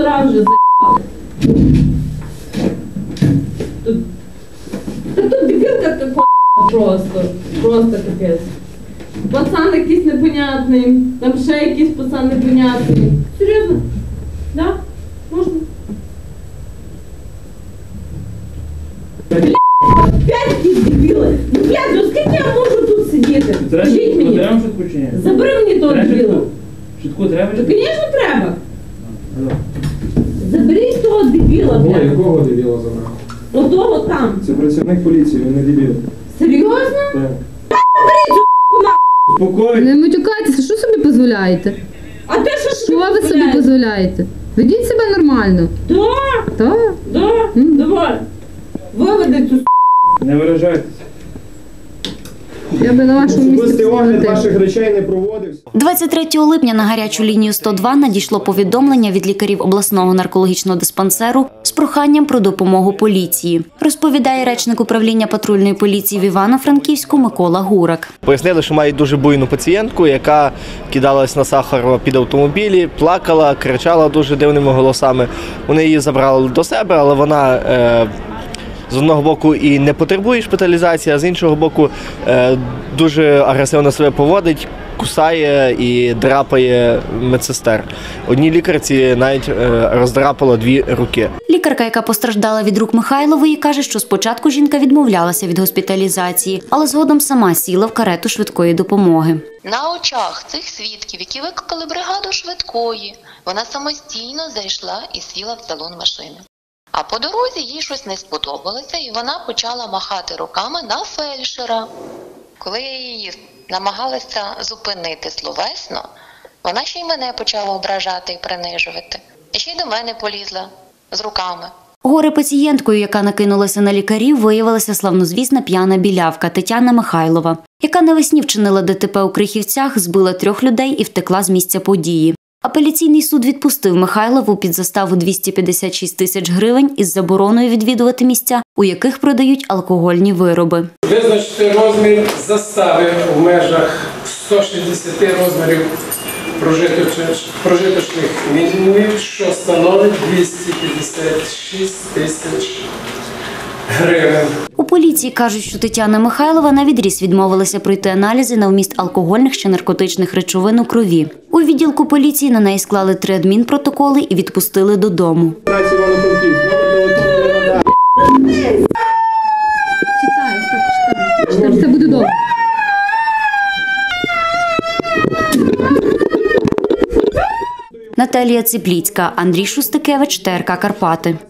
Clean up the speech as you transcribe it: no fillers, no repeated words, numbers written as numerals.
раз вже за***ли. Тут дебілка така просто капець. Пацан якийсь непонятний, там ще якийсь пацан непонятний. Серйозно? Да? Можна? Опять якісь дебіли. Ну, блядь, ну скільки я можу тут сидіти? Скажіть мені. Забери мені того дебіла. Швидку треба? Ну, звісно, треба. Заберіть того дебіла, блядь. Якого дебіла забрав? Отого там. Це працівник поліції, він не дебіл. Серйозно? Так. Спокійно. Не матюкайтеся, що собі дозволяєте? А ти що Що ви собі дозволяєте? Ведіть себе нормально. Да, Так? да, давай. Виведи цю Не виражайтеся. Я би на вашому місці Особистий огляд сиділа. ваших речей не проводився. 23 липня на гарячу лінію 102 надійшло повідомлення від лікарів обласного наркологічного диспансеру з проханням про допомогу поліції, розповідає речник управління патрульної поліції в Івано-Франківську Микола Гурак. Пояснили, що мають дуже буйну пацієнтку, яка кидалась на Сахарова під автомобілі, плакала, кричала дуже дивними голосами. Вони її забрали до себе, але вона з одного боку і не потребує шпиталізації, а з іншого боку дуже агресивно себе поводить, кусає і драпає медсестер. Одній лікарці навіть роздрапало 2 руки. Лікарка, яка постраждала від рук Михайлової, каже, що спочатку жінка відмовлялася від госпіталізації, але згодом сама сіла в карету швидкої допомоги. На очах цих свідків, які викликали бригаду швидкої, вона самостійно зайшла і сіла в салон машини. А по дорозі їй щось не сподобалося, і вона почала махати руками на фельдшера. Коли я її намагалася зупинити словесно, вона ще й мене почала ображати і принижувати. І ще й до мене полізла з руками. Горе-пацієнткою, яка накинулася на лікарів, виявилася славнозвісна п'яна білявка Тетяна Михайлова, яка навесні вчинила ДТП у Крихівцях, збила 3 людей і втекла з місця події. Апеляційний суд відпустив Михайлову під заставу 256 тисяч гривень із забороною відвідувати місця, у яких продають алкогольні вироби. Визначити розмір застави в межах 160 розмірів прожиточних мінімумів, що становить 256 тисяч гривень. У поліції кажуть, що Тетяна Михайлова навідріз відмовилася пройти аналізи на вміст алкогольних чи наркотичних речовин у крові. У відділку поліції на неї склали 3 адмінпротоколи і відпустили додому. Читай, все буде добре. Наталія Ципліцька, Андрій Шустикевич, ТРК Карпати.